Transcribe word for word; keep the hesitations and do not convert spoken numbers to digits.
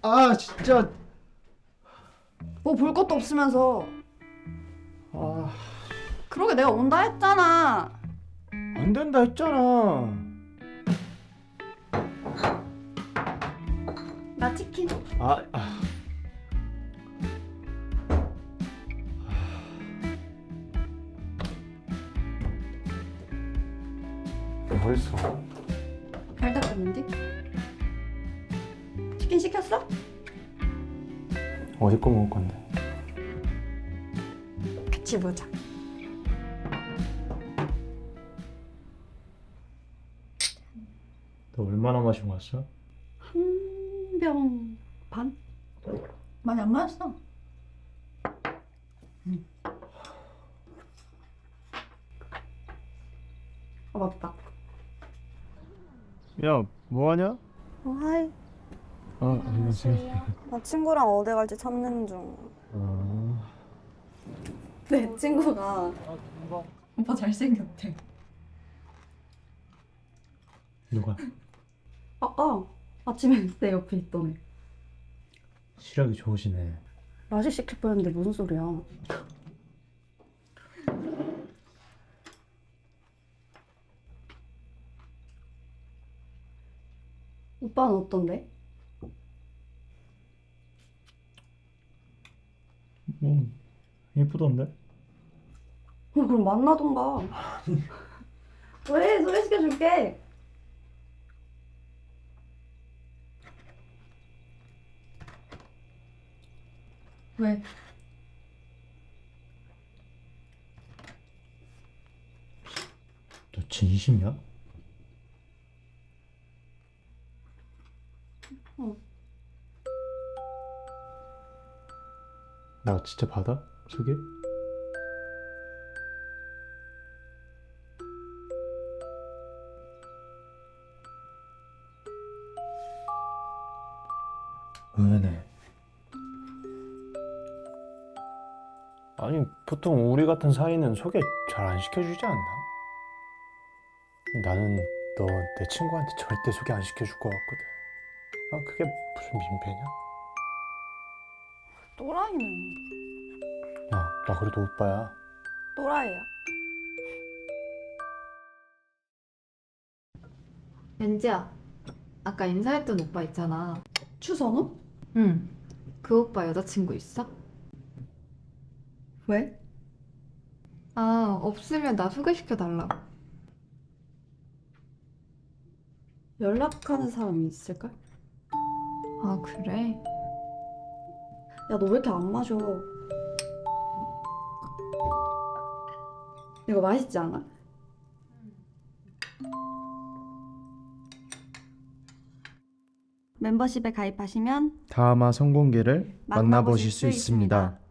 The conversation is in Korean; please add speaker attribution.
Speaker 1: 아 진짜.
Speaker 2: 뭐 볼 것도 없으면서.
Speaker 1: 아,
Speaker 2: 그러게 내가 온다 했잖아.
Speaker 1: 안 된다 했잖아.
Speaker 2: 나 치킨.
Speaker 1: 아, 아. 뭐 했어?
Speaker 2: 잘 닦았는데? 치킨 시켰어?
Speaker 1: 어디 거 먹을 건데?
Speaker 2: 같이 보자.
Speaker 1: 너 얼마나 마시고 왔어?
Speaker 2: 한 병 반? 많이 안 마셨어. 응. 아 맞다.
Speaker 1: 야, 뭐 하냐?
Speaker 3: 어, 하이.
Speaker 1: 아, 안녕하세요.
Speaker 3: 나 친구랑 어디 갈지 찾는 중.
Speaker 1: 아,
Speaker 2: 내 친구가 오빠 잘생겼대.
Speaker 1: 누가?
Speaker 2: 아까 아침에 내 옆에 있던 애.
Speaker 1: 시력이 좋으시네.
Speaker 2: 라식 시킬 뻔했는데 무슨 소리야? 오빠는 어떤데?
Speaker 1: 음, 예쁘던데?
Speaker 2: 어, 그럼 만나던가. 왜? 소개시켜줄게. 왜?
Speaker 1: 너 진심이야?
Speaker 2: 어.
Speaker 1: 나 진짜 받아? 소개? 의외네. 아니, 보통 우리 같은 사이는 소개 잘 안 시켜주지 않나? 나는 너 내 친구한테 절대 소개 안 시켜줄 것 같거든. 아, 그게 무슨 민폐냐?
Speaker 2: 또라이네.
Speaker 1: 야, 나 그래도 오빠야.
Speaker 2: 또라이야.
Speaker 4: 연지야, 아까 인사했던 오빠 있잖아.
Speaker 2: 추선우?
Speaker 4: 응. 그 오빠 여자친구 있어?
Speaker 2: 왜?
Speaker 4: 아, 없으면 나 소개시켜달라고.
Speaker 2: 연락하는 사람이 있을걸?
Speaker 4: 아, 그래?
Speaker 2: 야, 너 왜 이렇게 안 마셔? 이거 맛있지 않아? 멤버십에 가입하시면
Speaker 1: 다음화 성공기를
Speaker 2: 만나보실 수 있습니다.